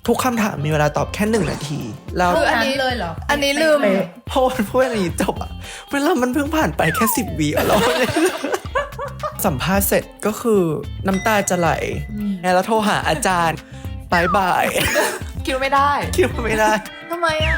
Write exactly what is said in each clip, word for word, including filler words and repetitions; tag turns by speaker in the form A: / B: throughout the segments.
A: ทุกคำถามมีเวลาตอบแค่หนึ่งนาทีแล้ว
B: คืออันนี้เลยเหรอ
C: อันนี้ลืม
A: พอพูดอันนี้จบอะเวลามันเพิ่งผ่านไปแค่สิบวิแล้วสัมภาษณ์เสร็จก็คือน้ำตาจะไหลแล้วโทรหาอาจารย์บายบาย
C: คิวไม่ได้
A: คิวไม่ได้
C: ทำไมอ่ะ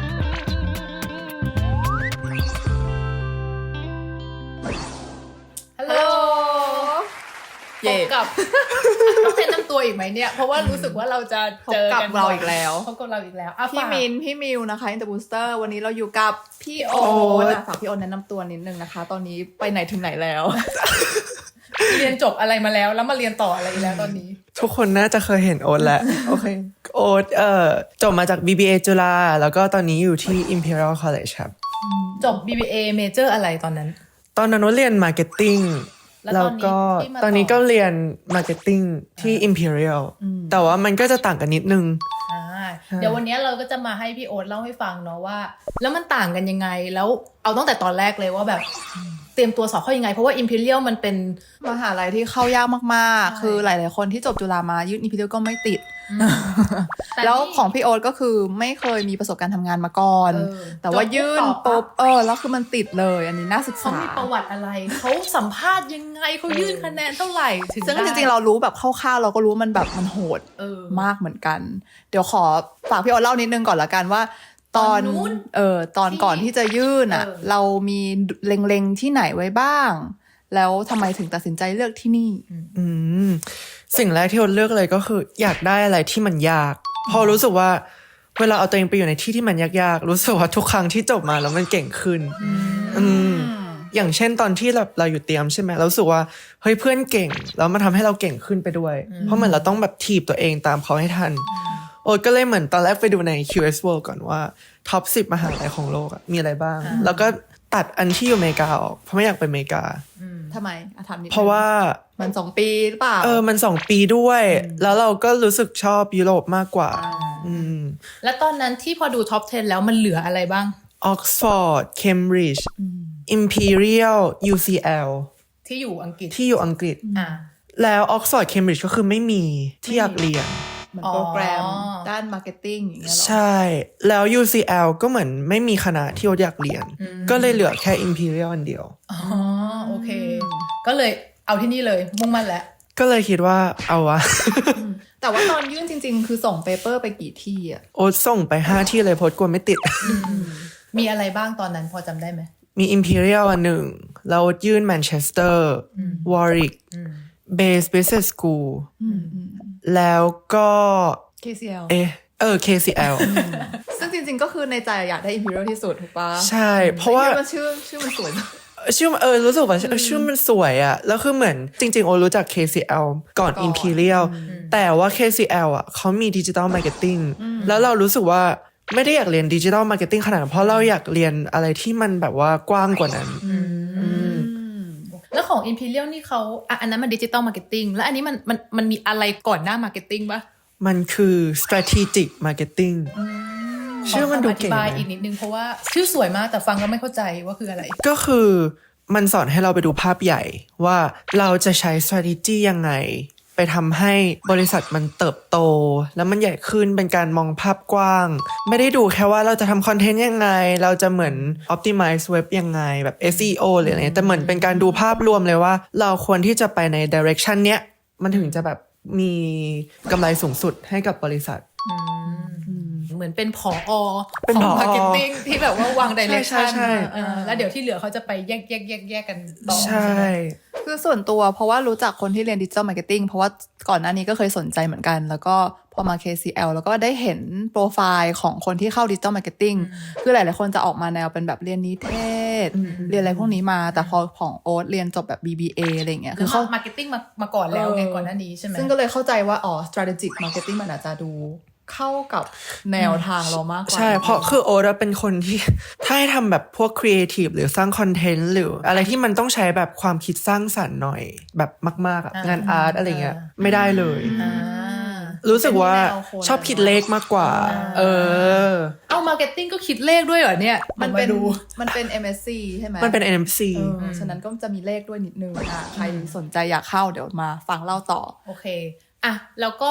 B: ฮัลโหลพบกับต้องแนะนำตัวอีกไหมเนี่ยเพราะว่ารู้สึกว่าเราจะเจอกัน
C: เราอีกแล้ว
B: พบกับเราอีกแล้ว
C: พี่มินพี่มิวนะคะอินเตอร์บูสเตอร์วันนี้เราอยู่กับพี่โอ๊ตฝากพี่โอ๊ตแนะนำตัวนิดนึงนะคะตอนนี้ไปไหนถึงไหนแล้ว
B: เรียนจบอะไรมาแล้วแล้วมาเรียนต่ออะไรอีกแล้วตอนนี้
A: ทุกคนน่าจะเคยเห็นโอ๊ตแล้วโอเคโอ๊ตเอ่อจบมาจาก บี บี เอ จุฬาแล้วก็ตอนนี้อยู่ที่ Imperial College ครับ
B: จบ บี บี เอ Major อะไรตอนนั้น
A: ตอนนั้นโอ๊ตเรียน Marketing แล้วก็ตอนนี้ก็เรียน Marketing ที่ Imperial แต่ว่ามันก็จะต่างกันนิดนึง
B: เดี๋ยววันนี้เราก็จะมาให้พี่โอ๊ตเล่าให้ฟังเนาะว่าแล้วมันต่างกันยังไงแล้วเอาตั้งแต่ตอนแรกเลยว่าแบบเตรียมตัวสอบเข้ายังไงเพราะว่า Imperial มันเป็น
C: มหาลัยที่เข้ายากมากๆคือหลายๆคนที่จบจุฬามายื่น Imperial ก็ไม่ติดแล้วของพี่โอ๊ตก็คือไม่เคยมีประสบการณ์ทำงานมาก่อนแต่ว่ายื่นปุ๊บเออแล้วคือมันติดเลยอันนี้น่าศึกษา
B: เขามีประวัติอะไรเขาสัมภาษณ์ยังไงเขายื่นคะแนนเท่าไหร่ถึง
C: ซึ่งจริงๆเรารู้แบบคร่าวๆเราก็รู้มันแบบมันโหดมากเหมือนกันเดี๋ยวขอฝากพี่โอ๊ตเล่านิดนึงก่อนละกันว่าตอนเออตอนก่อนที่จะยื่นอ่ะเรามีเล็งๆที่ไหนไว้บ้างแล้วทำไมถึงตัดสินใจเลือกที่นี่
A: อืมสิ่งแรกที่โอ๊ตเลือกเลยก็คืออยากได้อะไรที่มันยากพอรู้สึกว่าเวลาเอาตัวเองไปอยู่ในที่ที่มันยากๆรู้สึกว่าทุกครั้งที่จบมาแล้วมันเก่งขึ้นอืมอย่างเช่นตอนที่เราเราอยู่เตรียมใช่ไหมเรารู้สึกว่าเฮ้ยเพื่อนเก่งแล้วมันทำให้เราเก่งขึ้นไปด้วยเพราะเหมือนเราต้องแบบถีบตัวเองตามเขาให้ทันโอ๊ตก็เลยเหมือนตอนแรกไปดูใน คิว เอส World ก่อนว่าท็อปสิบมหาลัยของโลกมีอะไรบ้างแล้วก็ตัดอันที่อยู่อเมริกาออกเพราะไม่อยากไปอเมริกา
C: ทำไมอ่ะถามนิดนึง
A: เพราะว่า
C: มันสองปีหรือเปล่า
A: เออมันสองปีด้วยแล้วเราก็รู้สึกชอบยุโรปมากกว่าอืม
B: แล้วตอนนั้นที่พอดูท็อปสิบแล้วมันเหลืออะไรบ้าง
A: Oxford Cambridge Imperial ยู ซี แอล
B: ที่อยู่อังกฤษ
A: ที่อยู่อังกฤษ
B: อ่า
A: แล้ว Oxford Cambridge ก็คือไม่มีที่อยากเรียน
C: เหมือนโปรแกรมด้านมาร์เก็ตติ้งอย่างเงี้ยหรอ
A: ใช่แล้ว ยู ซี แอล ก็เหมือนไม่มีคณะที่โอ๊ตอยากเรียนก็เลยเหลือแค่ Imperial อันเดียว
B: อ๋อโอเคก็เลยเอาที่นี่เลยมุ่งมั่นแล้ว
A: ก็เลยคิดว่าเอาวะ
C: แต่ว่าตอนยื่นจริงๆคือส่งเปเปอร์ไปกี่ที่อ่ะ
A: โอ๊ตส่งไปห้าที่เลยโพสต์กลัวไม่ติด
B: มีอะไรบ้างตอนนั้นพอจำได้ไหม
A: มี Imperial อันหนึ่งแล้วยื่น Manchester Warwick Base Business School แล้วก็
C: เค ซี แอล
A: เอ๊ะเออ เค ซี แอล
C: ซึ่งจริงๆก็คือในใจอยากได้ Imperial ที่สุดถูกปะ
A: ใช่เพราะว่า
C: ชื่อชื่อมันสวย
A: ชื่อเออรู้สึกว่าชื่อมันสวยอะแล้วคือเหมือนจริงๆโอรู้จัก เค ซี แอล ก่อน Imperial แต่ว่า เค ซี แอล อ่ะเขามี Digital Marketing แล้วเรารู้สึกว่าไม่ได้อยากเรียน Digital Marketing ขนาดนั้นเพราะเราอยากเรียนอะไรที่มันแบบว่ากว้างกว่านั้น
B: แล้วของ Imperial นี่เขาอ่ะอันนั้นมัน Digital Marketing แล้วอันนี้มันมันมันมีอะไรก่อนหน้า Marketing ปะ
A: มันคือ Strategic Marketing ชื่อมันดูเก่ง
B: อธิบายอีกนิดนึงเพราะว่าชื่อสวยมากแต่ฟังก็ไม่เข้าใจว่าคืออะไร
A: ก็คือมันสอนให้เราไปดูภาพใหญ่ว่าเราจะใช้ strategy ยังไงไปทำให้บริษัทมันเติบโตแล้วมันใหญ่ขึ้นเป็นการมองภาพกว้างไม่ได้ดูแค่ว่าเราจะทำคอนเทนต์ยังไงเราจะเหมือน optimize เว็บยังไงแบบ เอส อี โอ หรืออะไรแต่เหมือนเป็นการดูภาพรวมเลยว่าเราควรที่จะไปใน direction เนี้ยมันถึงจะแบบมีกำไรสูงสุดให้กับบริษัท
B: เหมือนเป็นผอของ marketing ที่แบบว่าวาง direction แล้วเดี๋ยวที่เหลือเขาจะไปแยกแยกแยกแยกกันต่อ
A: ใช่
C: คือส่วนตัวเพราะว่ารู้จักคนที่เรียน Digital Marketing เพราะว่าก่อนหน้านี้ก็เคยสนใจเหมือนกันแล้วก็พอมา เค ซี แอล แล้วก็ได้เห็นโปรไฟล์ของคนที่เข้า Digital Marketing คือหลายๆคนจะออกมาแนวเป็นแบบเรียนนิเทศเรียนอะไรพวกนี้มาแต่พอของโอ๊ตเรียนจบแบบ บี บี เอ อะไรเงี้ย
B: คือเข้า marketing มามาก่อนแล้วไงก่อนหน้านี้ใช่ไหม
C: ซึ่งก็เลยเข้าใจว่าอ๋อ strategic marketing มันอาจจะดูเข้ากับแนวทางเรามากกว่า
A: ใช่เพราะคือโอ๊ตเป็นคนที่ถ้าให้ทำแบบพวกครีเอทีฟหรือสร้างคอนเทนต์หรืออะไรที่มันต้องใช้แบบความคิดสร้างสรรค์หน่อยแบบมากๆอ่ะงานอาร์ตอะไรเงี้ยไม่ได้เลยรู้สึกว่าชอบคิดเลขมากกว่าเออ
B: เอามาร์เก็ตติ้งก็คิดเลขด้วยเหรอเนี่ย
C: มันเป็นมันเป็น เอ็ม เอส ซี ใช่ไหม
A: มันเป็น เอ็ม เอส ซี
C: ฉะนั้นก็จะมีเลขด้วยนิดนึงอ่ะใครสนใจอยากเข้าเดี๋ยวมาฟังเล่าต่อ
B: โอเคอ่ะแล้วก็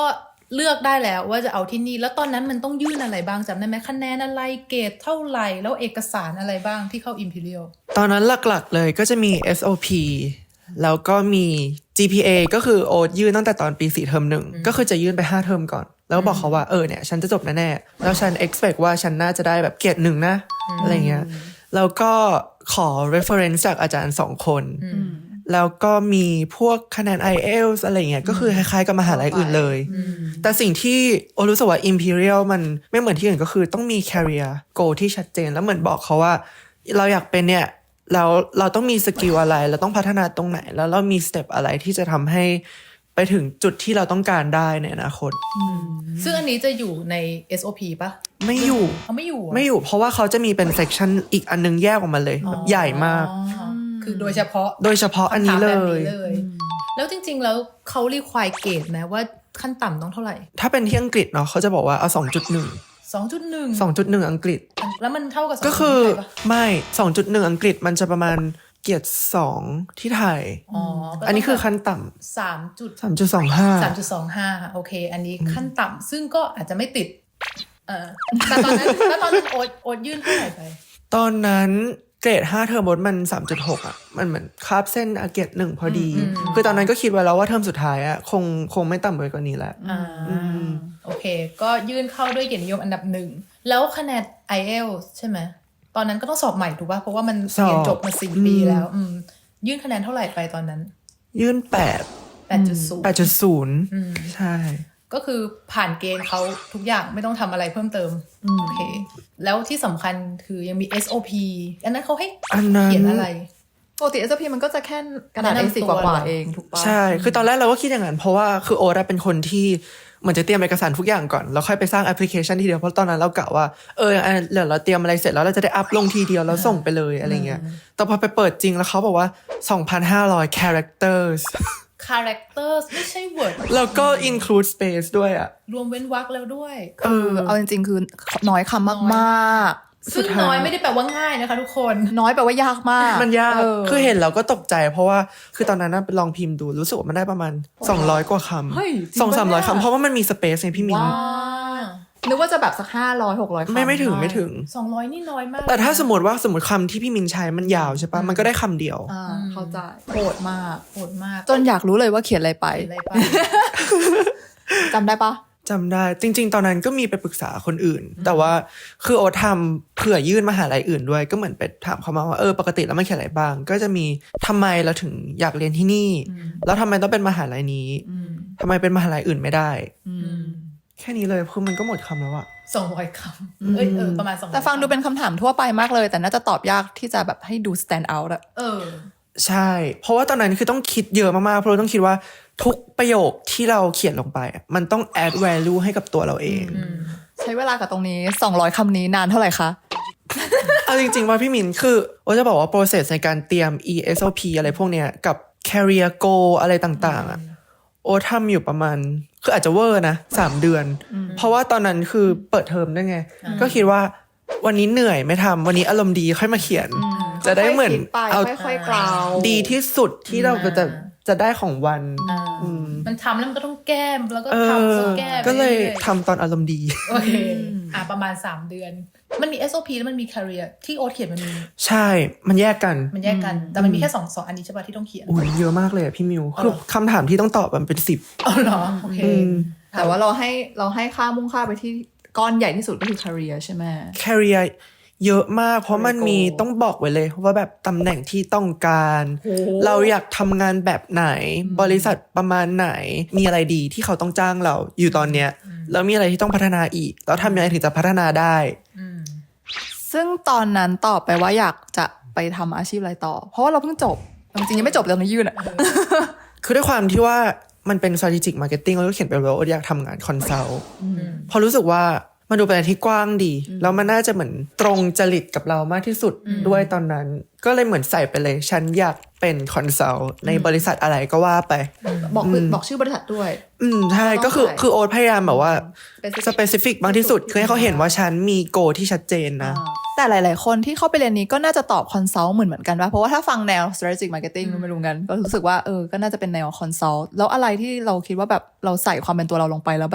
B: เลือกได้แล้วว่าจะเอาที่นี่แล้วตอนนั้นมันต้องยื่นอะไรบ้างจำได้ไหมคะแนนอะไรเกรดเท่าไหร่แล้วเอกสารอะไรบ้างที่เข้า Imperial
A: ตอนนั้นหลักๆเลยก็จะมี เอส โอ พี แล้วก็มี จี พี เอ ก็คือโอ๊ตยื่นตั้งแต่ตอนปีสี่เทอมหนึ่งก็คือจะยื่นไปห้าเทอมก่อนแล้วบอกเขาว่าเออเนี่ยฉันจะจบแน่ๆแล้วฉัน expect ว่าฉันน่าจะได้แบบเกรดหนึ่งนะอะไรเงี้ยแล้วก็ขอ reference จากอาจารย์สองคนแล้วก็มีพวกคะแนน ไอ เอล ที เอส อะไรเงี้ยก็คือคล้ายๆกับมหาลัยอื่นเลยแต่สิ่งที่โอรู้สึกว่า Imperial มันไม่เหมือนที่อื่นก็คือต้องมี career goal ที่ชัดเจนแล้วเหมือนบอกเขาว่าเราอยากเป็นเนี่ยแล้วเราต้องมีสกิลอะไรเราต้องพัฒนาตรงไหนแล้วเรามีสเต็ปอะไรที่จะทำให้ไปถึงจุดที่เราต้องการได้ในอนาคต
B: ซึ่งอันนี้จะอยู่ใน เอส โอ พี ป่ะ
A: ไม่อยู่
B: เขาไม่อยู่
A: ไม่อยู่เพราะว่าเขาจะมีเป็นเซกชันอีกอันนึงแยกออกมาเลยแบบใหญ่มาก
B: คือโดยเฉพาะ
A: โดยเฉพาะอันนี้เลย
B: แล้วจริงๆแล้วเขารีควายเกรดไหมว่าขั้นต่ำต้องเท่าไหร่
A: ถ้าเป็นที่อังกฤษเนาะเขาจะบอกว่าเอา สองจุดหนึ่ง
B: สองจุดหนึ่ง
A: สองจุดหนึ่ง อังกฤษ
B: แล้วมันเท่ากับ
A: ก็คือไม่ สองจุดหนึ่ง อังกฤษมันจะประมาณเกียรติสองที่ไทยอ๋ออันนี้คือขั้นต่ำ
B: สามจุด
A: สามจุดสองห้า
B: สามจุดสองห้าโอเคอันนี้ขั้นต่ำซึ่งก็อาจจะไม่ติดเออแต่ตอนนั้นแล้วตอนนั้นโอ๊ตโอ๊ตยื่นเท่าไหร่ไป
A: ตอนนั้นเกรดห้าเทอมบดมัน สามจุดหก อ่ะมันเหมือนคาบเส้นอาเกรดหนึ่งพอดีคือตอนนั้นก็คิดไว้แล้วว่าเทอมสุดท้ายอ่ะคงคงไม่ต่ำไปกว่านี้แหละ
B: อ่าโอเคก็ยื่นเข้าด้วยเกียรตินิยมอันดับหนึ่งแล้วคะแนน ไอ เอล ที เอส ใช่ไหมตอนนั้นก็ต้องสอบใหม่ถูกป่ะเพราะว่ามันเรียนจบมาสี่ปีแล้วอืมยื่นคะแนนเท่าไหร่ไปตอนนั้น
A: ยื่นแปด
B: แปดจุดศูนย์
A: แปดจุดศูนย์ใช่
B: ก็คือผ่านเกณฑ์เขาทุกอย่างไม่ต้องทำอะไรเพิ่มเติมโอเคแล้วที่สำคัญคือยังมี เอส โอ พี อันนั้นเขาให้เขียนอะไร
C: ปกติ เอส โอ พี มันก็จะแค่กระดาษ เอ สี่ กว่าๆเองถูกป่ะ
A: ใช่คือตอนแรกเราก็คิดอย่างนั้นเพราะว่าคือโอ๊ตเป็นคนที่เหมือนจะเตรียมเอกสารทุกอย่างก่อนแล้วค่อยไปสร้างแอปพลิเคชันทีเดียวเพราะตอนนั้นเรากะว่าเออเดี๋ยวเราเตรียมอะไรเสร็จแล้วเราจะได้อัพลงทีเดียวแล้วส่งไปเลยอะไรเงี้ยแต่พอไปเปิดจริงแล้วเขาบอกว่า สองพันห้าร้อย characters
B: characters ไม่ใช่ word
A: แล้วก็ include space ด้วยอะ
B: รวมเว้นวรรคแล้วด้วย
C: เออเอาจริงๆคือน้อยคำมาก
B: ๆซึ่งน้อยไม่ได้แปลว่าง่ายนะคะทุกคน
C: น้อยแปลว่ายากมาก
A: มันยากคือเห็นเราก็ตกใจเพราะว่าคือตอนนั้นไปลองพิมพ์ดูรู้สึกว่ามันได้ประมาณสองร้อยกว่าคำ สองถึงสามร้อย คำเพราะว่ามันมี space ในพี่มิ้น
C: นึกว่าจะแบบสักห้าร้อย หกร้อยคำ
A: ไม่ไม่ถึงไม่ถึง
B: สองร้อยนี่น้อยมาก
A: แต่ถ้าสมมติว่าสมมติคำที่พี่มินใช้มันยาวใช่ปะมันก็ได้คำเดียว
C: อ่าเข้าใจโหดมาก
B: โหดมาก
C: จนอยากรู้เลยว่าเขียนอะไรไปจำได้ปะ
A: จำได้จริงๆตอนนั้นก็มีไปปรึกษาคนอื่นแต่ว่าคือโอทำเผื่อยื่นมหาลัยอื่นด้วยก็เหมือนไปถามเขามาว่าเออปกติแล้วมันเขียนอะไรบ้างก็จะมีทำไมเราถึงอยากเรียนที่นี่แล้วทำไมต้องเป็นมหาลัยนี้ทำไมเป็นมหาลัยอื่นไม่ได้แค่นี้เลยคือมันก็หมดคำแล้วอะ
B: สองร้อยคำเอ้ยเออประมาณสองร้อย
C: แต่ฟังดูเป็นคำถามทั่วไปมากเลยแต่น่าจะตอบยากที่จะแบบให้ดู stand out อะ
B: เออ
A: ใช่เพราะว่าตอนนั้นคือต้องคิดเยอะมากๆเพราะเราต้องคิดว่าทุกประโยคที่เราเขียนลงไปมันต้อง add value ให้กับตัวเราเอง
C: ใช้เวลากับตรงนี้สองร้อยคำนี้นานเท่าไหร่คะ
A: เอาจริงๆว่าพี่มินคือโอ้จะบอกว่า process ในการเตรียม อี เอส โอ พี อะไรพวกเนี้ยกับ career goal อะไรต่างๆอะโอ้ทำอยู่ประมาณคืออาจจะเวอร์นะสามเดือนเพราะว่าตอนนั้นคือเปิดเทอมด้วยไงก็คิดว่าวันนี้เหนื่อยไม่ทำวันนี้อารมณ์ดีค่อยมาเขียนจะได้เหมือน
C: เอาค่อยๆกล่าว
A: ดีที่สุดที่เราจะจะได้ของวัน
B: มันทำแล้วมันก็ต้องแก้มแล้วก็ทำแล้วแก้
A: ก็เลยทำตอนอารมณ์ดี
B: โอเคอ่ะประมาณสามเดือนมันมี เอส โอ พี แล้วมันมี career ที่โอ๊ตเขียนมันมี
A: ใช่มันแยกกัน
B: มันแยกกันแต่มันมีแค่สองสองอันนี้ใช่ป่ะที่ต้องเขียน
A: อุ้ยเยอะมากเลยพี่มิวคือคำถามที่ต้องตอบมันเป็นสิบ
B: อ๋อเหรอโอเค
C: แต่ว่าเราให้เราให้ค่ามุ่งค่าไปที่ก้อนใหญ่ที่สุดก็คือ career ใช่ไหม
A: career เยอะมากเพราะมันมีต้องบอกไว้เลยว่าแบบตำแหน่งที่ต้องการเราอยากทำงานแบบไหนบริษัทประมาณไหนมีอะไรดีที่เขาต้องจ้างเราอยู่ตอนเนี้ยแล้วมีอะไรที่ต้องพัฒนาอีกแล้วทำยังไงถึงจะพัฒนาได้
C: ซึ่งตอนนั้นตอบไปว่าอยากจะไปทำอาชีพอะไรต่อเพราะว่าเราเพิ่งจบจริงๆยังไม่จบเลยนะยื่นอ่ะ
A: คือด้วยความที่ว่ามันเป็น strategic marketing แล้วก็เขียนไปว่าอยากทำงานคอนซัลท์พอรู้สึกว่ามันดูเป็นอะไรที่กว้างดีแล้วมันน่าจะเหมือนตรงจริตกับเรามากที่สุดด้วยตอนนั้นก็เลยเหมือนใส่ไปเลยฉันอยากเป็นคอนซัลท์ในบริษัทอะไรก็ว่าไป
C: บอกบอกชื่อบริษัทด้วย
A: อืมใช่ก็คือคือโอ๊ตพยายามแบบว่าสเปซิฟิกมากที่สุดคือให้เขาเห็นว่าฉันมีโกที่ชัดเจนนะ
C: แต่หลายๆคนที่เข้าไปเรียนนี้ก็น่าจะตอบคอนซัลท์เหมือนเหมือนกันว่าเพราะว่าถ้าฟังแนว strategic marketing ไม่รู้กันก็รู้สึกว่าเออก็น่าจะเป็นแนวคอนซัลท์แล้วอะไรที่เราคิดว่าแบบเราใส่ความเป็นตัวเราลงไปแล้วแบบ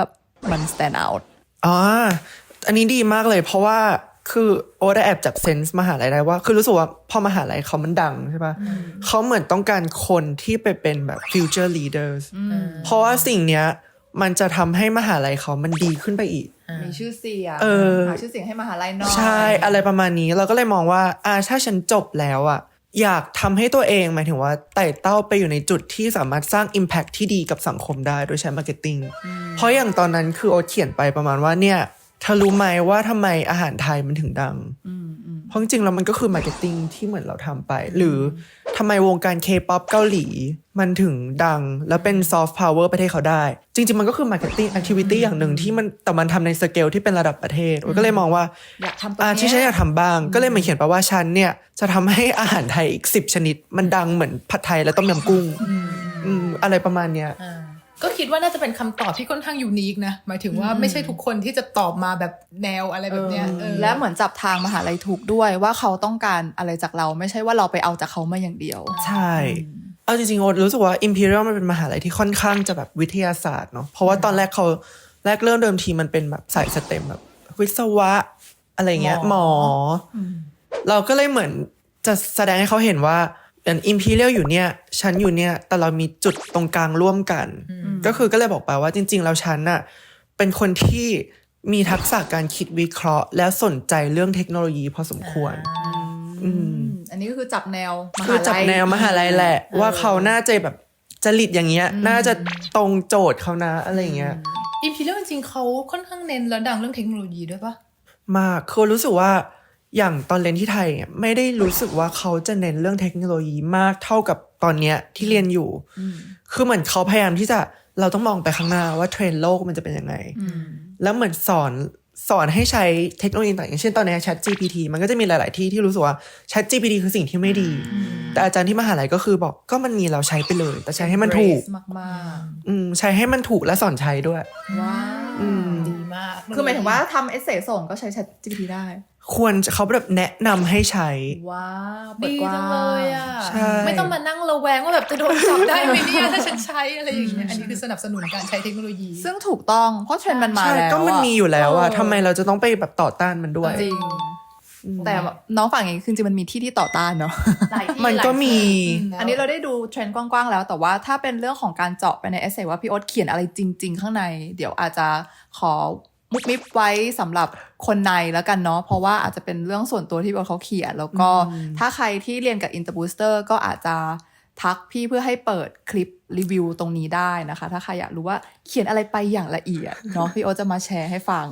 C: มัน stand out
A: อ๋ออันนี้ดีมากเลยเพราะว่าคือโอ๊ตแอบจับเซนส์มหาลัยได้ว่าคือรู้สึกว่าพอมหาลัยเขามันดังใช่ปะเขาเหมือนต้องการคนที่ไปเป็นแบบ future leaders เพราะว่าสิ่งเนี้ยมันจะทำให้มหาลัยเขามันดีขึ้นไปอีก
C: มีชื่อเสียง
A: เออ
C: หาชื่อเสียงให้มหาลัยหน่อย
A: ใช่อะไรประมาณนี้เราก็เลยมองว่าอ่าถ้าฉันจบแล้วอ่ะอยากทำให้ตัวเองหมายถึงว่าไต่เต้าไปอยู่ในจุดที่สามารถสร้าง impact ที่ดีกับสังคมได้โดยใช้ marketing เพราะอย่างตอนนั้นคือโอ๊ตเขียนไปประมาณว่าเนี่ยเธอรู้ไหมว่าทำไมอาหารไทยมันถึงดังเพราะจริงๆแล้วมันก็คือ marketing ที่เหมือนเราทำไปหรือทำไมวงการ K-pop เกาหลีมันถึงดังแล้วเป็น soft power ประเทศเขาได้จริงๆมันก็คือ marketing activity อย่างหนึ่งที่มันแต่มันทำในสเกลที่เป็นระดับประเทศโอ๊ตก็เลยมองว่า
C: อยากทำตัว
A: อ่า
C: นี้
A: ที่ฉันอยากทำบ้างก็เลยมาเขียนไปว่าฉันเนี่ยจะทำให้อาหารไทยอีกสิบชนิดมันดังเหมือนผัดไทยและต้มยำกุ้งอืมอะไรประมาณเนี้ย
B: ก็คิดว่าน่าจะเป็นคำตอบที่ค่อนข้างยูนิคนะหมายถึงว่าไม่ใช่ทุกคนที่จะตอบมาแบบแนวอะไรแบบเนี้ย
C: และเหมือนจับทางมหาลัยถูกด้วยว่าเขาต้องการอะไรจากเราไม่ใช่ว่าเราไปเอาจากเขามาอย่างเดียว
A: ใช่เอาจริงๆโอ๊ตรู้สึกว่า Imperial มันเป็นมหาลัยที่ค่อนข้างจะแบบวิทยาศาสตร์เนาะเพราะว่าตอนแรกเขาแรกเริ่มเดิมทีมันเป็นแบบสายสเต็มแบบวิศวะอะไรเงี้ยหมอเราก็เลยเหมือนจะแสดงให้เขาเห็นว่าอย่าง Imperial อยู่เนี่ยฉันอยู่เนี่ยแต่เรามีจุดตรงกลางร่วมกันก็คือก็เลยบอกไปว่าจริงๆแล้วฉันน่ะเป็นคนที่มีทักษะการคิดวิเคราะห์และสนใจเรื่องเทคโนโลยีพอสมควรอืม
C: อันนี้ก็คือจับแนวมหาลัย
A: คือจับแนวมหาลัยแหละว่าเขาน่าจะแบบจริตอย่างเงี้ยน่าจะตรงโจทย์เขานะอะไรอย่างเงี้ย
B: อิมพีเรียลจริงๆเขาค่อนข้างเน้นแล้วดังเรื่องเทคโนโลยีด้วยปะ
A: มากคือรู้สึกว่าอย่างตอนเรียนที่ไทยไม่ได้รู้สึกว่าเขาจะเน้นเรื่องเทคโนโลยีมากเท่ากับตอนเนี้ยที่เรียนอยู่คือเหมือนเขาพยายามที่จะเราต้องมองไปข้างหน้าว่าเทรนด์โลกมันจะเป็นยังไงแล้วเหมือนสอนสอนให้ใช้เทคโนโลยีต่างอย่างเช่นตอนนี้ Chat จี พี ที มันก็จะมีหลายๆที่ที่รู้สึกว่า Chat จี พี ที คือสิ่งที่ไม่ดีแต่อาจารย์ที่มหาลัยก็คือบอกก็มันมีเราใช้ไปเลยแต่ใช้ให้มันถูก
C: มากๆ
A: อืมใช้ให้มันถูกและสอนใช้ด้วย
C: ว้าว
A: อืม
B: ดีมาก
C: คือหมายถึงว่าทำเอเซส่งก็ใช้ Chat จี พี ที ได้
A: ควรเขาแบบแนะนำให้ใช้
C: ว้าว
B: ดีจังเลยอ่ะ
A: ใช่
B: ไม่ต้องมานั่งระแวงว่าแบบจะโดนจับได้ไหมเนี่ยถ้าฉันใช้อะไรอย่างเงี้ยอันนี้คือสนับสนุนการใช้เทคโนโลยี
C: ซึ่งถูกต้องเพราะเทรนด์มันมาแล้ว
A: ก็มันมีอยู่แล้วอะทำไมเราจะต้องไปแบบต่อต้านมันด้วย
C: จริงแต่น้องฝั่งเองคือจริงมันมีที่ที่ต่อต้านเนาะ
A: มันก็มี
C: อันนี้เราได้ดูเทรนด์กว้างๆแล้วแต่ว่าถ้าเป็นเรื่องของการเจาะไปในเอเซว่าพี่โอ๊ตเขียนอะไรจริงๆข้างในเดี๋ยวอาจจะขอมุกมิบไว้สำหรับคนในแล้วกันเนาะเพราะว่าอาจจะเป็นเรื่องส่วนตัวที่พี่โอ๊ตเขาเขียนแล้วก็ถ้าใครที่เรียนกับ Interbooster ก็อาจจะทักพี่เพื่อให้เปิดคลิปรีวิวตรงนี้ได้นะคะถ้าใครอยากรู้ว่าเขียนอะไรไปอย่างละเอียดเนาะพี่โอ๊ตจะมาแชร์ให้ฟัง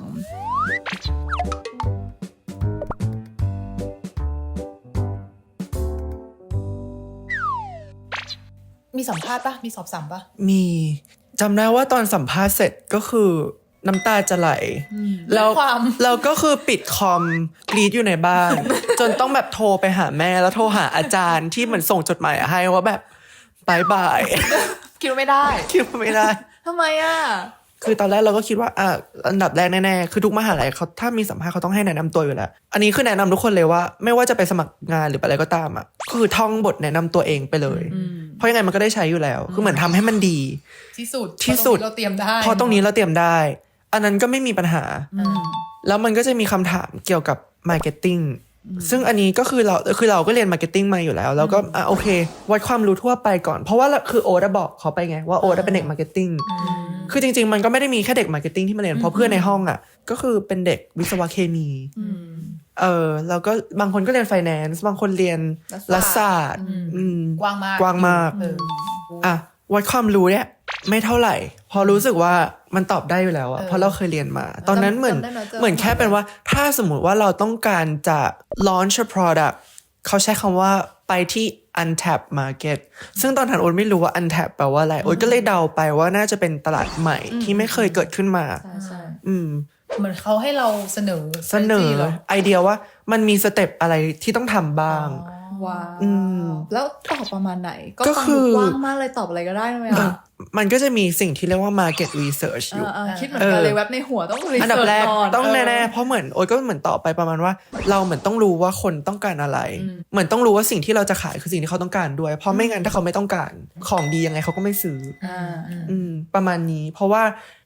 B: มีสัมภาษณ์ปะมีสอบสัมปะ
A: มีจำได้ว่าตอนสัมภาษณ์เสร็จก็คือน้ำตาจะไหลแล้วเราก็คือปิดคอมกรีดอยู่ในบ้าน จนต้องแบบโทรไปหาแม่แล้วโทรหาอาจารย์ที่เหมือนส่งจดหมายให้ว่าแบบบายบาย
C: คิดไม่ได้
A: คิดไม่ได้
C: ทำไมอ่ะ
A: คือตอนแรกเราก็คิดว่าอ่ะอันดับแรกแน่ๆคือทุกมหาลัยเขาถ้ามีสัมภาษณ์เขาต้องให้แนะนำตัวอยู่แล้วอันนี้คือแนะนำทุกคนเลยว่าไม่ว่าจะไปสมัครงานหรืออะไรก็ตามอ่ะคือท่องบทแนะนำตัวเองไปเลยเพราะยังไงมันก็ได้ใช้อยู่แล้วคือเหมือนทำให้มันดี
B: ที่สุด
A: ที่สุด
B: เราเตรียมได้
A: พอตรงนี้เราเตรียมได้อันนั้นก็ไม่มีปัญหาแล้วมันก็จะมีคำถามเกี่ยวกับ marketing ซึ่งอันนี้ก็คือเราคือเราก็เรียน marketing มาอยู่แล้วแล้วก็อ่ะโอเควัดความรู้ทั่วไปก่อนเพราะว่าคือโอ๊ตบอกเขาไปไงว่าโอ๊ตเป็นเด็ก marketing คือจริงๆมันก็ไม่ได้มีแค่เด็ก marketing ที่มาเรียนเพราะเพื่อนในห้องอ่ะก็คือเป็นเด็กวิศวะเคมีเออแล้วก็บางคนก็เรียน finance บางคนเรียนรัฐศาสตร์
B: กว้างมาก
A: กว้างมากอ่ะวัดความรู้เนี่ยไม่เท่าไหร่พอรู้สึกว่ามันตอบได้อยู่แล้วอะเพราะเราเคยเรียนมาตอนนั้นเหมือนเหมือนแค่เป็นว่าถ้าสมมุติว่าเราต้องการจะ launch a product เขาใช้คำว่าไปที่ untapped market ซึ่งตอนนั้นโอ๊ตไม่รู้ว่า untapped แปลว่าอะไรโอ๊ตก็เลยเดาไปว่าน่าจะเป็นตลาดใหม่ที่ไม่เคยเกิดขึ้นมาอืม
B: เหมือนเขาให้เราเสนอ
A: เสนอไอเดียว่ามันมีสเต็ปอะไรที่ต้องทำบ้าง
C: ว้าวแล้วตอบประมาณไหนก็คือกว้างมากเลยตอบอะไรก็ได้ไหมอ่ะ
A: มันก็จะมีสิ่งที่เรียกว่า market research อยู่
C: คิดเหมือนกันเลยแว็บในหัวต้อง research
A: อันดับแรกต้องแน่ๆเพราะเหมือนโอ๊ยก็เหมือนตอบไปประมาณว่าเราเหมือนต้องรู้ว่าคนต้องการอะไรเหมือนต้องรู้ว่าสิ่งที่เราจะขายคือสิ่งที่เขาต้องการด้วยเพราะไม่งั้นถ้าเขาไม่ต้องการของดียังไงเขาก็ไม่ซื้ออืมประมาณนี้เพราะว่า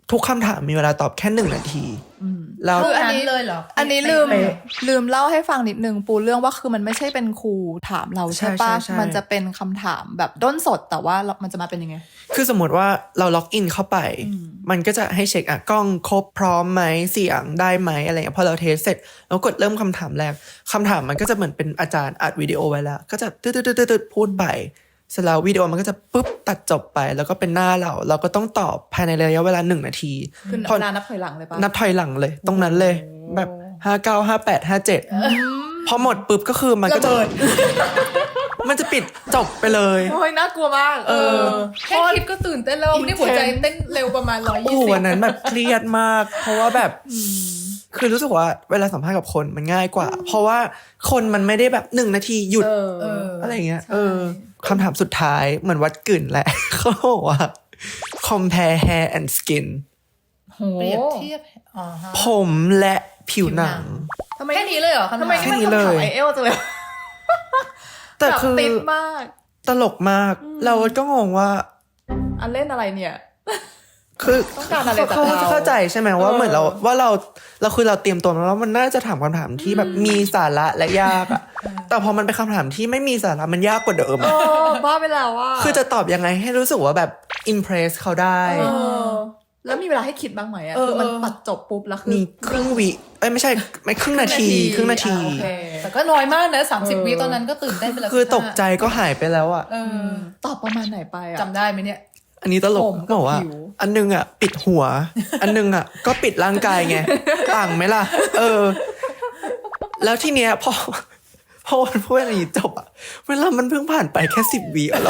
A: ทุกคำถามมีเวลาตอบแค่หนึ่งนาทีแล้ว
B: คืออันนี้เลยเหรอ
C: อันนี้ลืม
B: เป๊ะ
C: ลืมเล่าให้ฟังนิดนึงปูเรื่องว่าคือมันไม่ใช่เป็นครูถามเราใช่ปะ
A: ใช่ใช่ใช่
C: มันจะเป็นคำถามแบบด้นสดแต่ว่ามันจะมาเป็นยังไง
A: คือสมมติว่าเราล็อกอินเข้าไป มันก็จะให้เช็คอ่ะกล้องครบพร้อมไหมเสียงได้ไหมอะไรเงี้ยพอเราเทสเสร็จเรากดเริ่มคำถามแรกคำถามมันก็จะเหมือนเป็นอาจารย์อัดวิดีโอไว้แล้ว ก็จะตืดตืดตืดพูดไปเสร็จแล้ววิดีโอมันก็จะปุ๊บตัดจบไป แล้วก็เป็นหน้าเรา เราก็ต้องตอบภายในระยะเวลาหนึ่งนาที
C: คือ
A: พอ
C: เวลานับถอยหลังเลยปะ
A: นับถอยหลังเลย ตรงนั้นเลย แบบห้าเก้าห้าแปดห้าเจ็ดพอหมดปุ๊บก็คือมันก็จะ
B: ระเบิด
A: มันจะปิดจบไปเลย
C: โอ้ยน่ากลัวมาก
B: เออแค่คิดก็ตื่นเต้นแล้วนี่หัวใจเต้นเร็วประมาณร้อยยี่
A: โอ้
B: สิบ
A: วันนั้นแบบเครียดมาก เพราะว่าแบบคือรู้สึกว่าเวลาสัมภาษณ์กับคนมันง่ายกว่า เพราะว่าคนมันไม่ได้แบบหนึ่งนาทีหยุด
C: เออ
B: เออ
A: อะไรเงี้ยเออคำถามสุดท้ายเหมือนวัดกลิ่นแหละ เขาบอกว่า compare hair and skin
C: โห
B: เปรียบเทียบอ๋อฮะ
A: ผมและผิวหนัง
C: ทำไม
B: แค่นี้เลยเหรอคำถาม
C: ทำไมนี่มัน
A: แค่นี้
C: คำ
A: เล
C: ถาม
A: ย
C: ไอเอลจังเลย
A: แต่คือ
C: แบบติดมาก
A: ตลกมาก เราก็งงว่า
C: อันเล่นอะไรเนี่ย
A: คือ
C: ต้องการอะไรจาก
A: เขา
C: เรา
A: เข้าใจใช่ไหมว่าเหมือนเราว่าเราเราคือเราเตรียมตัวมาแล้วมันน่าจะถามคำถามที่แบบมีสาระและยากอะแต่พอมันเป็นคำถามที่ไม่มีสาระมันยากกว่าเดิม
C: เอ
A: อะ
C: อบ้าไปแล้วว่า
A: คือจะตอบยังไงให้รู้สึกว่าแบบอิมเพรสเขาได้
C: เออ แล้วมีเวลาให้คิดบ้างไหมอะ
B: เออ
C: คือมัน
B: เออ
C: ตัดจบปุ๊บแล้วคือ
A: มีครึ่งวิเอ้ยไม่ใช่ไม่ครึ่งนาทีครึ่งนาที
C: อ่ะโอเค
B: แต่ก็น้อยมากนะสามสิบ
C: เออ
B: วิตอนนั้นก็ตื่นเต้นไปแล้ว
A: คือตกใจก็หายไปแล้วอะ
B: เออ
C: ตอบประมาณไหนไปอะ
B: จำได้ไหมเนี่ย
A: อันนี้ตลก
C: ผมกับ
A: บอกว่า
C: ผิว
A: อันนึงอะปิดหัว อันนึงอะก็ปิดร่างกายไงต่างไหมล่ะ เออ แล้วทีเนี้ยพอพอวันพูดอะไรอย่างงี้จบอะเวลามันเพิ่งผ่านไปแค่สิบวิอะแล้ว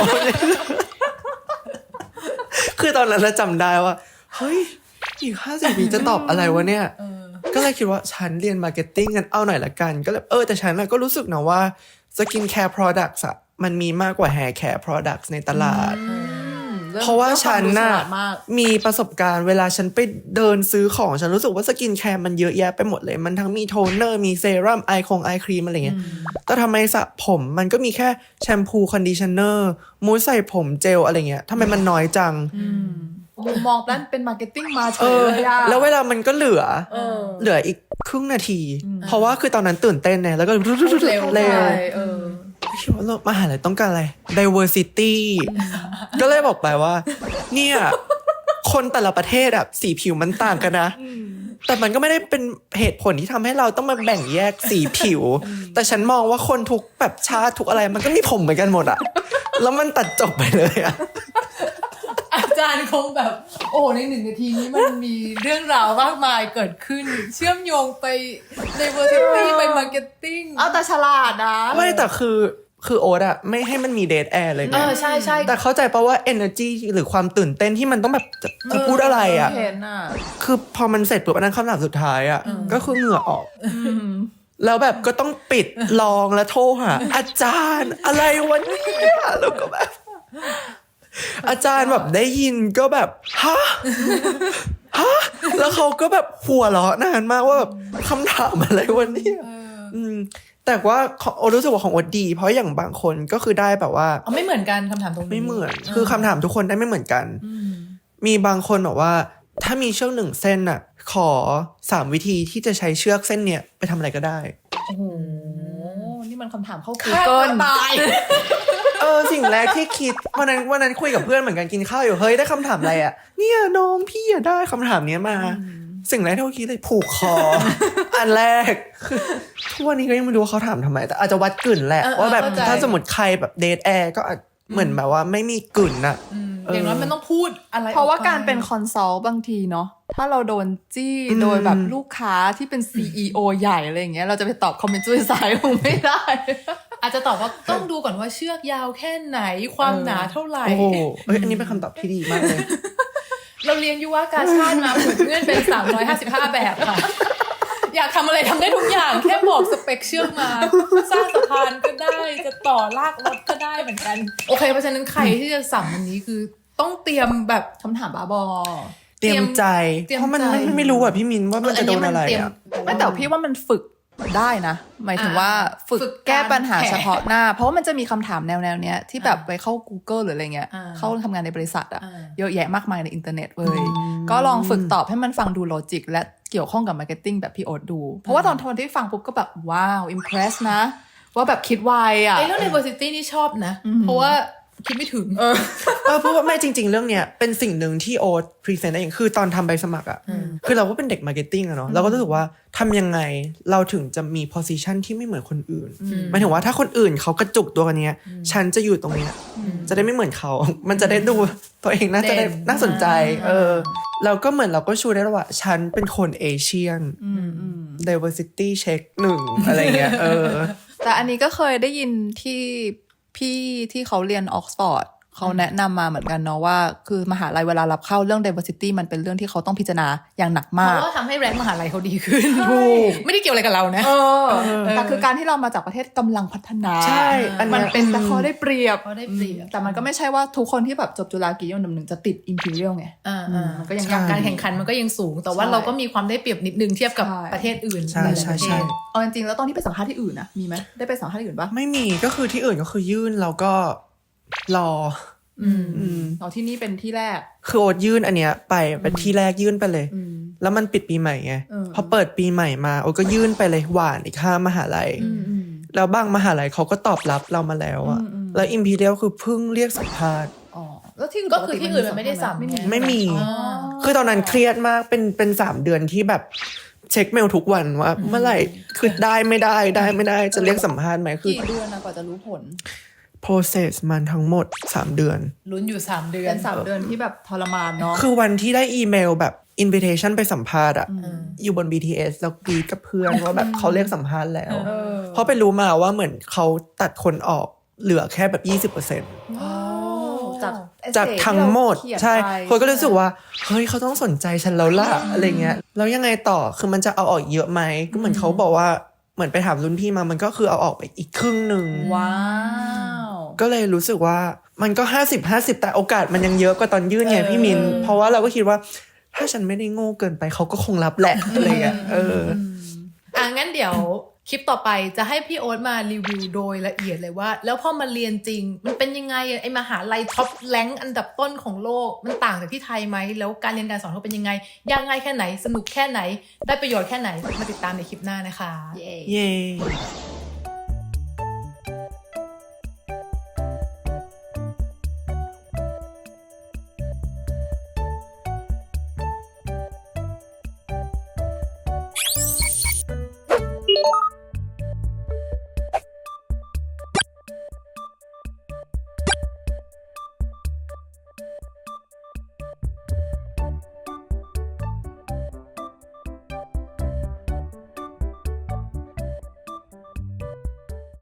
A: คือตอนนั้นเราจำได้ว่าเฮ้ยอีกห้าสิบวิจะตอบอะไรวะเนี่ย ก็เลยคิดว่าฉันเรียนมาร์เก็ตติ้งกันเอาหน่อยละกัน ก็เลยเออแต่ฉันน่ะก็รู้สึกนะว่าสกินแคร์ products อะมันมีมากกว่า hair care products ในตลาด เพราะว่าฉันน่ะ
C: เรื่องความรู้ฉลาดมาก
A: มีประสบการณ์เวลาฉันไปเดินซื้อของฉันรู้สึกว่าสกินแคร์มันเยอะแยะไปหมดเลย มันทั้งมีโทนเนอร์มีเซรั่มไอคงไอครีมอะไรเงี้ยแต่ทำไมสระผมมันก็มีแค่แชมพูคอนดิชเนอร์มูสใส่ผมเจลอะไรเงี้ยทำไมมันน้อยจัง
C: มุมมองด้านเป็นมาร์เก็ตติ้งมาเฉ
A: เอย อ
C: เลยอะ
A: แล้วเวลามันก็เหลือ
C: เออ
A: เหลืออีกครึ่งนาที เพราะว่าคือตอนนั้นตื่นเต้นเนี่ยแล้วก็เร็ว
B: เร็ว
C: ใช่เออ
A: คิดว่าเรามหาลัยต้องการอะไร diversity ก็เลยบอกไปว่า เนี่ย คนแต่ละประเทศอะสีผิวมันต่างกันนะ แต่มันก็ไม่ได้เป็นเหตุผลที่ทำให้เราต้องมาแบ่งแยกสีผิว แต่ฉันมองว่าคนทุกแบบชาติทุกอะไรมันก็มีผมเหมือนกันหมดอะแล้วมันตัดจบไปเลยอะ
B: อาจารย์คงแบบ โอ้ในหนึ่งนาทีนี้มันมีเรื่องราวมากมายเกิดขึ้น เชื่อมโยงไปในเวอร์ซิตี้ไปมาร์เก็ตติ้ง
C: เอาแต่ฉลาดนะ
A: ไม่แต่คือคือโอ๊ตอะไม่ให้มันมีเดทแอร์เลย
B: เอ
A: นะ
B: อใช่ใช่
A: แต่เข้าใจปะว่า energy หรือความตื่นเต้นที่มันต้องแบบจะจะพูดอะไรอะ
C: เห็นอ่ะ
A: คือพอมันเสร็จปุ๊บอันนั้นคำถามสุดท้ายอะก็คือเหงื่อออก แล้วแบบก็ต้องปิดลองแล้วโทรหาอาจารย์อะไรวะเนี่ยแล้วก็แบบ อาจารย์แบบได้ยินก็แบบฮะฮะแล้วเขาก็แบบหัวเราะนานมากว่าแบบคำถามอะไรวะเนี่ยอืมแต่ว่าของโอรู้สึกว่าของโอดดี เพราะอย่างบางคนก็คือได้แบบว่า
B: เอาไม่เหมือนกันคำถามตรงนี้
A: ไม่เหมือน คือคำถามทุกคนได้ไม่เหมือนกัน มีบางคนบอกว่า ถ้ามีเชือกหนึ่งเส้นน่ะ ขอสามวิธีที่จะใช้เชือกเส้นเนี่ยไปทำอะไรก็ได้
C: โอ้โห นี่มันคำถามเข้า
B: ฆ่า
C: Google
B: ตัวตาย
A: เออสิ่งแรกที่คิดวันนั้นวันนั้นคุยกับเพื่อนเหมือนกันกินข้าวอยู่เฮ้ยได้คำถามอะไรอ่ะเนี่ยน้องพี่อะได้คำถามเนี้ยมา สิ่งแรกที่เขาคิดเลยผูกคอ อันแรกคือทุกวันนี้ก็ยังไม่รู้ว่าเขาถามทำไม แต่อาจจะวัดกลิ่นแหละ
B: เออ
A: ว่าแบบ
B: เข้าใจ
A: ถ้าสมมติใครแบบเดทแอร์ก็อาจเหมือนแบบว่าไม่มีกลิ่นน่ะ
B: อืมอย่างน้อยมันต้องพูดอะไร
C: เพราะว่า
B: ออไ
C: การเป็นคอนซัลท์บางทีเนาะ ถ้าเราโดนจี้
A: อืม
C: โดยแบบลูกค้าที่เป็น ซี อี โอ ใหญ่อะไรอย่างเงี้ย เราจะไปตอบคอมเมนต์จุ้ยสายคงไม่ได้
B: อาจจะตอบว่าต้องดูก่อนว่าเชือกยาวแค่ไหนความหนาเท่าไหร่
A: โอ้โหเอ้ยอันนี้เป็นคำตอบที่ดีมากเลย
B: เราเรียนยุวกาชาติมาผูกเงื่อนเป็นสามร้อยห้าสิบห้าแบบค่ะ อยากทำอะไรทำได้ทุกอย่าง แค่บอกสเปคเชือกมา สร้างสะพานก็ได้ จะต่อลากรถก็ได้เหมือนกัน โอเค เพราะฉะนั้นใครที่จะสั่งวันนี้คือต้องเตรียมแบบ
C: คำถามบ้าบอ
A: เตรียมใจ
B: เตรียม
A: เพราะมัน
B: ใจ
A: ไม่ไม่รู้อ่ะพี่มินว่ามันจะโดนอะไร
B: เตรียม
A: อ่ะ
C: ไม่แต่พี่ว่ามันฝึกได้นะ หมายถึงว่าฝึก
B: ฝึก
C: แก้ปัญหา
B: การแผน
C: เฉพาะหน้า เพราะว่ามันจะมีคำถามแนวแนวๆเนี้ยที่แบบไปเข้า Google หรืออะไรเงี้ย
B: อ่า
C: เข้าทำงานในบริษัทอะ
B: อ่า
C: เยอะแยะมากมายในอินเทอร์เน็ตเว้ยก็ลองฝึกตอบให้มันฟังดูโลจิกและเกี่ยวข้องกับมาร์เก็ตติ้งแบบพี่โอ๊ตดู เพราะว่าตอนทนที่ฟังปุ๊บก็แบบว้าวอิมเพรสนะ ว่าแบบคิดไวอะ
B: ไอ้เรื่อง diversity นี่ชอบนะ เพราะว่าคิดไม่ถึง
A: เออเพราะว่าไม่จริง ๆ เรื่องเนี้ยเป็นสิ่งหนึ่งที่โอ๊ตพรีเซนต์ได้เองคือตอนทำใบสมัครอ่ะคือเราก็เป็นเด็กมาร์เก็ตติ้งอะเนาะเราก็รู้สึกว่าทำยังไงเราถึงจะมี position ที่ไม่เหมือนคนอื่นหมายถึงว่าถ้าคนอื่นเขากระจุกตัวกันเนี้ยฉันจะอยู่ตรงเนี้ยจะได้ไม่เหมือนเขา มันจะได้ดูตัวเองน่าจะได้
B: เด่น
A: น่าสนใจเออเราก็เหมือนเราก็ชูได้แล้วว่าฉันเป็นคนเอเชียน diversity check หนึ่งอะไรเงี้ยเออ
C: แต่อันนี้ก็เคยได้ยินที่พี่ที่เขาเรียนออกซฟอร์ดเขาแนะนำมาเหมือนกันเนาะว่าคือมหาลัยเวลารับเข้าเรื่อง diversity มันเป็นเรื่องที่เขาต้องพิจารณาอย่างหนัก
B: เพ
C: มาก
B: ราะว่าทำให้แรงมหาลัยเขาดีขึ้น
A: ถูก
B: ไม่ได้เกี่ยวอะไรกับเรานะ
C: เออแต่คือการที่เรามาจากประเทศกำลังพัฒนา
A: ใช่อันเนี้ย
C: มันเป็นแต่ข้อได้เปรียบ
B: เขาได้เปรียบ
C: แต่มันก็ไม่ใช่ว่าทุกคนที่แบบจบจุฬากี่ยนหนึ่งจะติด imperial ไง
B: อ่าอ่า
C: มันก็ยัง
B: การแข่งขันมันก็ยังสูง แต่ว่า
C: ใช่
B: เราก็มีความได้เปรียบนิดนึงเทียบกับ
C: ใช่
B: ประเทศอื่น
A: ใช่
B: หลายๆ
A: ใช่
B: ประเท
A: ใช่
B: ศ
C: เอาจริงๆแล้วตอนที่ไปสัมภาษณ์ที่อื่นนะมีไหมได้ไปสัมภาษณ์ที่อื่นปะ
A: ไม่มีก็คือที่อื่นก็คือยื่นแล้วก็รอ
C: อืมอืมอ๋อที่นี่เป็นที่แรก
A: คือโอ๊ตยื่นอันเนี้ยไปเป็นที่แรกยื่นไปเลย
C: อืม
A: แล้วมันปิดปีใหม่ไง
C: เออ
A: พอเปิดปีใหม่มาโอ๊ตก็ยื่นไปเลยหวานอีกห้ามหาลัย
C: อืมอืม
A: แล้วบางมหาลัยเขาก็ตอบรับเรามาแล้วอะ
C: อืมอืม
A: แล้วอิมพีเรียลคือเพิ่งเรียกสัมภาษณ์
C: อ๋อแล้วที่
B: ก็คือที่อื่นมันไม่ได้สัม
C: ไม่มี
A: ไม่มี
B: อ๋อ
A: คือตอนนั้นเครียดมากเป็นเป็นสามเดือนที่แบบเช็คเมลทุกวันว่า เมื่อไหร่คือได้ไม่ได้ได้ไม่ได้จะเรียกสัมภาษณ์ไหมคือ
C: กี่เดือนนะกว่าจะรู้ผล
A: process มันทั้งหมดสามเดือน
B: ลุ้นอยู่สามเดือน
C: เป็นสามเดือนที่แบบทรมานเนาะ
A: คือวันที่ได้อีเมลแบบ invitation ไปสัมภาษณ์อะอยู่บน บี ที เอส แล้วกรีดกับเพื่อนว่าแบบเขาเรียกสัมภาษณ์แล้ว
C: เออ
A: เพราะไปรู้มาว่าเหมือนเขาตัดคนออกเหลือแค่แบบ ยี่สิบเปอร์เซ็นต์
C: จาก
A: จากทั้งหมด
C: ที่เราเขียน
A: ใช่
C: ไป
A: คนก็รู้สึกว่าเฮ้ยเขาต้องสนใจฉันแล้วล่ะอะไรเงี้ยแล้วยังไงต่อคือมันจะเอาออกเยอะไหมก็เหมือนเขาบอกว่าเหมือนไปถามรุ่นพี่มามันก็คือเอาออกไปอีกครึ่งหนึ่ง
C: ว้าว
A: ก็เลยรู้สึกว่ามันก็ห้าสิบห้าสิบแต่โอกาสมันยังเยอะกว่าตอนยื่นไงพี่มินเพราะว่าเราก็คิดว่าถ้าฉันไม่ได้โง่เกินไปเขาก็คงรับแหละอะไรเงี้ยเออ
B: อ่ะงั้นเดี๋ยวคลิปต่อไปจะให้พี่โอ๊ตมารีวิวโดยละเอียดเลยว่า แล้วพอมาเรียนจริง มันเป็นยังไงอะไอมหาลัยท็อปแรงค์อันดับต้นของโลกมันต่างจากที่ไทยไหมแล้วการเรียนการสอนเขาเป็นยังไงยากง่ายแค่ไหนสนุกแค่ไหนได้ประโยชน์แค่ไหนมาติดตามในคลิปหน้านะคะ
C: เย้
A: เย้